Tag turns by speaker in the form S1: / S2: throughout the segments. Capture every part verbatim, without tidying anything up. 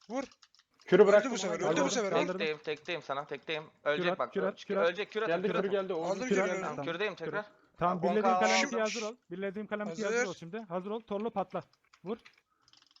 S1: Vur.
S2: Kürü bıraktım.
S1: bu sefer,
S2: Aldım.
S1: öldü bu sefer.
S3: Kaldırdım.
S4: Tekteyim, tekteyim sana, tekteyim.
S3: Kürat,
S4: Ölecek bak.
S3: kürat,
S4: Kürat,
S3: kürat.
S4: Ölecek, kürat.
S2: Geldi
S4: kürat.
S2: kürü geldi. Oğuz
S1: Aldım
S2: kürü
S1: kürü.
S2: geldi.
S4: Tamam,
S1: Tamam.
S4: kürdeyim tekrar.
S3: Tamam
S4: on K
S3: birlediğim
S4: aldım.
S3: kalemti hazır ol. Birlediğim kalemti hazır
S1: Hazır.
S3: ol şimdi. Hazır ol. Torlu patla. Vur.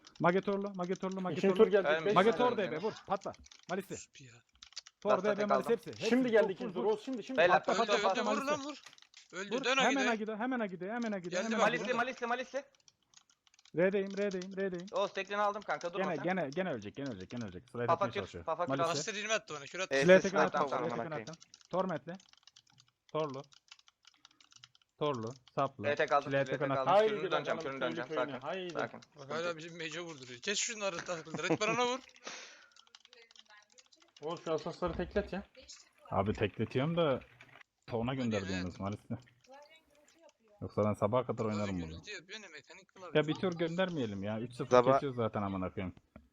S3: Magetorlu, Magetorlu,
S2: İkinci tur
S3: Magetorlu.
S2: geldi.
S4: Ölmüş.
S2: beş
S3: Magetor
S2: saniye.
S3: D B vur. Patla. Malisi.
S1: Sus ya.
S3: Tor
S4: Lasta
S3: D B
S4: tek
S3: Malisi
S4: aldım.
S3: hepsi. hepsi.
S2: Şimdi
S3: Vur,
S2: geldi
S3: vur,
S2: ikinci
S3: vur,
S2: tur. Oğuz şimdi şimdi.
S4: Beyler,
S3: Patla,
S1: Öldü
S3: patla,
S1: öldü
S3: patla,
S1: vur lan
S3: Malis'e.
S1: vur. Öldü
S3: Vur.
S1: dön
S3: Hemen
S1: Agide.
S3: Agide, hemen Agide, hemen Agide.
S1: Geldim
S3: hemen
S1: ben,
S3: Agide.
S4: Malisli Malisli Malisli.
S3: R'deyim, R'deyim, R'deyim.
S4: Oğuz teklini aldım kanka durma
S3: Gene,
S4: sen.
S3: gene, gene ölecek, gene ölecek, gene ölecek. Sırayı
S4: Pafa
S3: tutmaya
S4: kür,
S3: çalışıyor.
S4: Pafa kür
S3: Malisi.
S4: aldım.
S1: Master ilmi attı bana. Kür attı.
S5: Evet.
S3: Sileye
S5: Sesler
S3: tekrar
S5: tam
S3: attım, sileye
S5: amına
S3: tekrar
S5: koyayım.
S3: attım. Torment'le. Torlu. Torlu. Saplı.
S4: R T kaldım.
S3: Çileğe
S4: R T
S3: tek
S4: kaldım.
S3: anahtar.
S2: Haydi
S4: Kürünü döneceğim.
S2: bakalım,
S4: Kürünü döneceğim.
S2: köylü köyüne,
S4: Sakin.
S2: haydi.
S4: Sakin.
S1: Bak hala bizim mage'e vurduruyor. Kes şunları takıldı. Red Baron'a vur.
S2: Oğuz şu asasları teklet ya.
S3: Abi tekletiyorum da Tona gönder
S1: ne?
S3: diyorsunuz maalesef. Yoksa ben sabaha kadar oynarım bunu.
S1: Gürültü yapıyor ne mekanik kılavuz.
S3: Ya bir tur göndermeyelim ya. üç sıfır
S5: Zaba-
S3: kesiyoruz zaten amına koyayım.